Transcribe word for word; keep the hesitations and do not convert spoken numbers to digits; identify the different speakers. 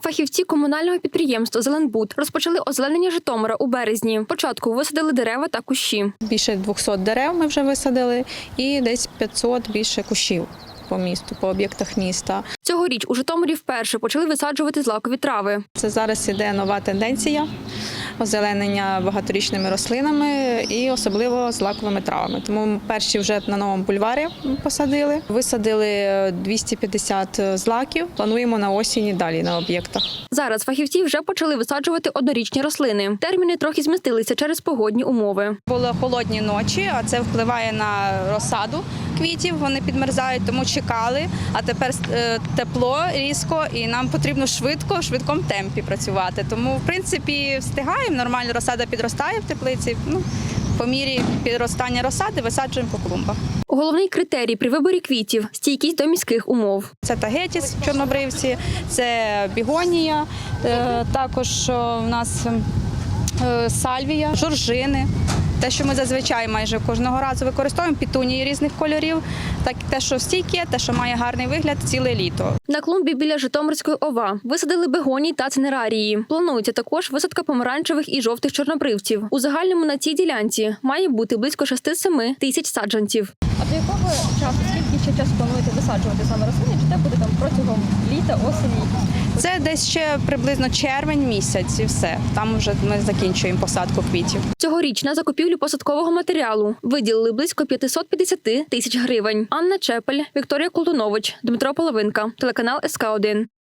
Speaker 1: Фахівці комунального підприємства «Зеленбуд» розпочали озеленення Житомира у березні. Спочатку висадили дерева та кущі.
Speaker 2: Більше двохсот дерев ми вже висадили і десь п'ятсот більше кущів по місту, по об'єктах міста.
Speaker 1: Цьогоріч у Житомирі вперше почали висаджувати злакові трави.
Speaker 2: Це зараз іде нова тенденція озеленення багаторічними рослинами і особливо злаковими травами. Тому перші вже на новому бульварі посадили. Висадили двісті п'ятдесят злаків, плануємо на осінь і далі на об'єктах.
Speaker 1: Зараз фахівці вже почали висаджувати однорічні рослини. Терміни трохи змістилися через погодні умови.
Speaker 3: Були холодні ночі, а це впливає на розсаду квітів, вони підмерзають, тому чекали. А тепер тепло різко і нам потрібно швидко, в швидкому темпі працювати. Тому, в принципі, встигаємо, нормально розсада підростає в теплиці. Ну, по мірі підростання розсади висаджуємо по клумбах.
Speaker 1: Головний критерій при виборі квітів – стійкість до міських умов.
Speaker 3: Це тагетіс чорнобривці, це бігонія, також у нас сальвія, жоржини. Те, що ми зазвичай майже кожного разу використовуємо, петунії різних кольорів, так те, що стійке, те, що має гарний вигляд ціле літо.
Speaker 1: На клумбі біля Житомирської ОВА висадили бегонії та цинерарії. Планується також висадка помаранчевих і жовтих чорнобривців. У загальному на цій ділянці має бути близько шести-семи тисяч саджанців.
Speaker 4: А до якого часу, скільки ще часу плануєте висаджувати саме рослини? Чи це буде там протягом літа, осені?
Speaker 3: Це десь ще приблизно червень місяць і все. Там вже ми закінчуємо посадку квітів.
Speaker 1: Цьогоріч на закупівлю посадкового матеріалу виділили близько п'ятсот п'ятдесят тисяч гривень. Анна Чепель, Вікторія Колтунович, Дмитро Половинка, телеканал ес ка один.